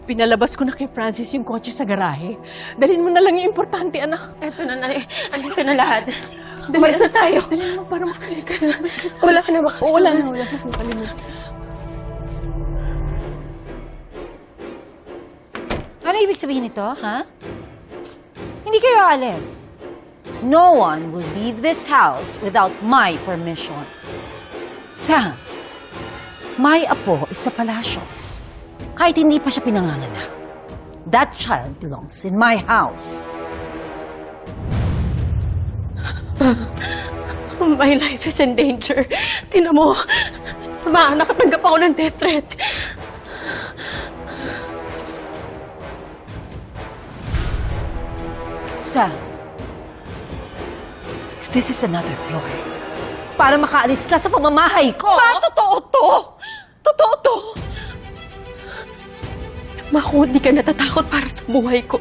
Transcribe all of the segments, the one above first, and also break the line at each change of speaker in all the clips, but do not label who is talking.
Pinalabas ko na kay Francis yung kotse sa garahe. Dalhin mo na lang yung importante, anak.
Eto na, Nay. Andito na lahat.
Dali,
Umalis na tayo.
Dali mo para makalik ka.
Wala ka na ba?
Oo, wala na. Wala na. Nakalimutan.
Ano ibig sabihin nito, ha? Hindi kayo aalis. No one will leave this house without my permission. Sam, my apo is sa palasyos. Kahit hindi pa siya pinanganganak. That child belongs in my house.
My life is in danger. Tingnan mo. Nakatanggap ako ng death threat.
Sam, if this is another ploy, para makaalis ka sa pamamahay ko...
Totoo to! Totoo to! Maku, di ka natatakot para sa buhay ko.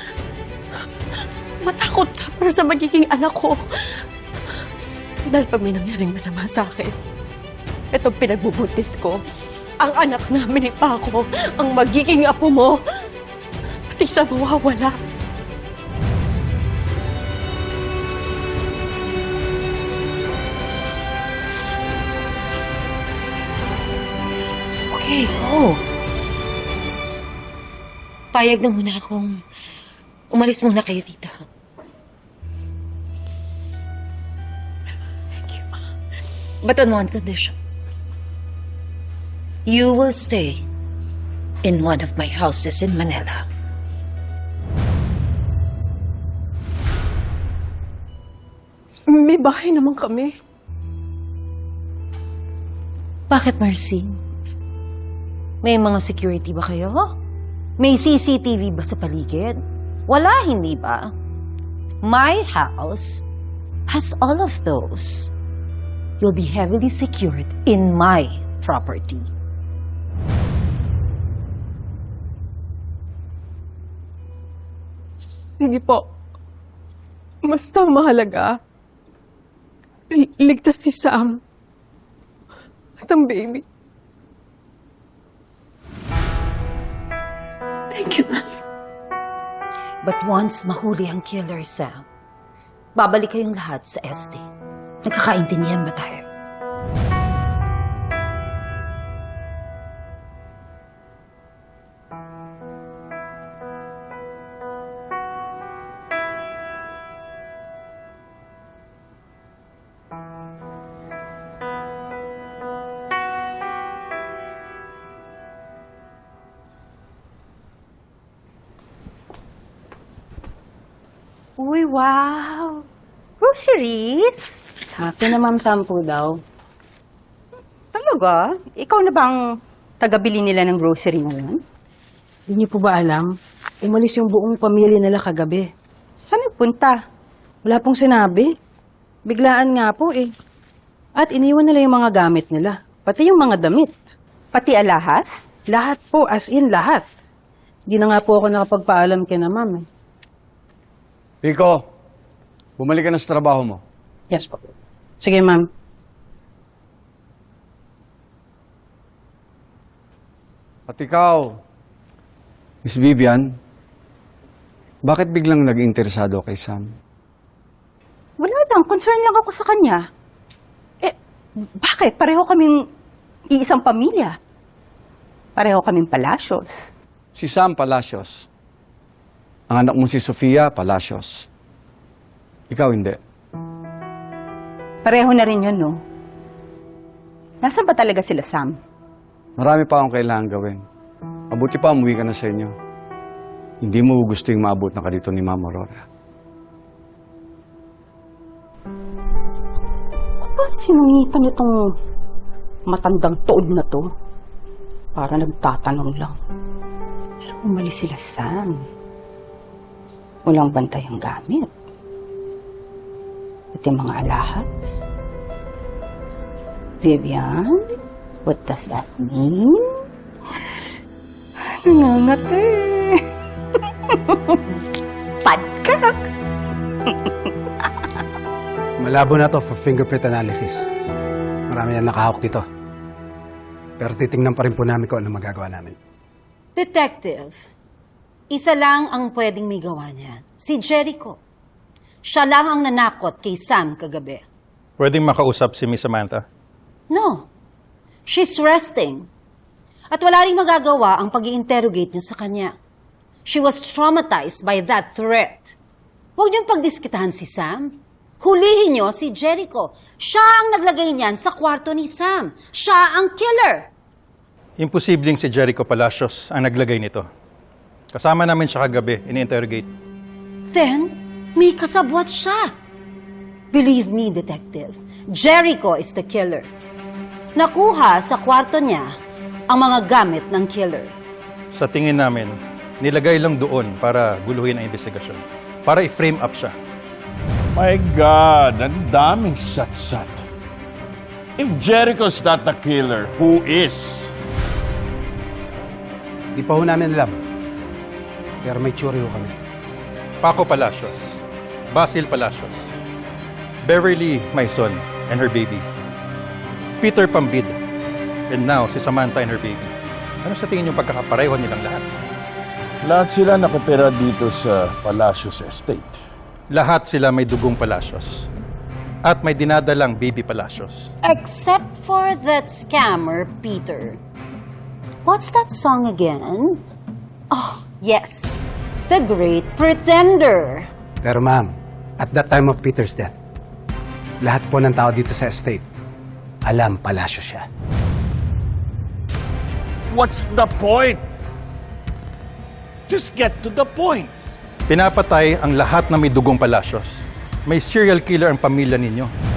Matakot ka para sa magiging anak ko. Dahil pag may nangyaring masama sa akin, itong pinagbubuntis ko, ang anak namin ni Paco, ang magiging apo mo, pati siya mawawala.
Okay, go. Payag na muna akong umalis muna kayo dito.
Thank you, Ma.
But on one condition. You will stay in one of my houses in Manila.
May bahay naman kami.
Bakit, Mercy? May mga security ba kayo? May CCTV ba sa paligid? Wala, hindi ba? My house has all of those. You'll be heavily secured in my property.
Sige po. Basta mahalaga. Ligtas si Sam. At ang baby.
Thank you, Ma.
But once mahuli ang killer, Sam, babalik kayong lahat sa estate. Nagkakaintindihan ba tayo?
Uy, wow! Groceries?
Akin na, Ma'am, 10 daw.
Talaga? Ikaw na bang taga-bili nila ng grocery ngayon?
Hindi niyo po ba alam? Umalis yung buong pamilya nila kagabi.
Saan nagpunta?
Wala pong sinabi. Biglaan nga po eh. At iniwan nila yung mga gamit nila. Pati yung mga damit.
Pati alahas?
Lahat po, as in lahat. Di na nga po ako nakapagpaalam kina Ma'am eh.
Pico, bumalik ka na sa trabaho mo.
Yes po. Sige, Ma'am.
At ikaw, Miss Vivian, bakit biglang nag-interesado kay Sam?
Wala lang. Concern lang ako sa kanya. Bakit? Pareho kaming iisang pamilya. Pareho kaming palasyos.
Si Sam Palacios. Ang anak mo si Sofia Palacios. Ikaw hindi.
Pareho na rin yun, no? Nasaan ba talaga sila, Sam?
Marami pa akong kailangan gawin. Mabuti pa umuwi ka na sa inyo. Hindi mo gusto yung maabot na ka dito ni Ma'am Aurora.
Ano ba sinungitan itong matandang tood na to? Para nagtatanong lang. Pero umalis sila, Sam. Walang bantay ang gamit. At yung mga alahas. Vivian, what does that mean? Nangangati. Padkak.
Malabo na to for fingerprint analysis. Marami yan nakahawak dito. Pero titingnan pa rin po namin kung ano magagawa namin.
Detective, isa lang ang pwedeng may gawa niyan. Si Jericho. Siya lang ang nanakot kay Sam kagabi.
Pwedeng makausap si Miss Samantha?
No. She's resting. At wala rin magagawa ang pag-i-interrogate niyo sa kanya. She was traumatized by that threat. Huwag niyong pagdiskitahan si Sam. Hulihin niyo si Jericho. Siya ang naglagay niyan sa kwarto ni Sam. Siya ang killer.
Imposibleng si Jericho Palacios ang naglagay nito. Kasama namin siya kagabi, ini-interrogate.
Then, may kasabwat siya. Believe me, Detective, Jericho is the killer. Nakuha sa kwarto niya ang mga gamit ng killer.
Sa tingin namin, nilagay lang doon para guluhin ang investigasyon. Para i-frame up siya.
My God, ang daming satsat. If Jericho's not the killer, who is?
Di pa ho namin alam. Pero may tsuri ho kami.
Paco Palacios, Basil Palacios, Beverly Maison and her baby, Peter Pambid, and now si Samantha and her baby. Ano sa tingin yung pagkakapareho nilang lahat?
Lahat sila nakatira dito sa Palacios Estate.
Lahat sila may dugong Palacios. At may dinadalang baby Palacios.
Except for that scammer, Peter. What's that song again? Oh, yes. The Great Pretender.
Pero ma'am, at that time of Peter's death, lahat po ng tao dito sa estate, alam palasyo siya.
What's the point? Just get to the point.
Pinapatay ang lahat na may dugong Palacios. May serial killer ang pamilya ninyo.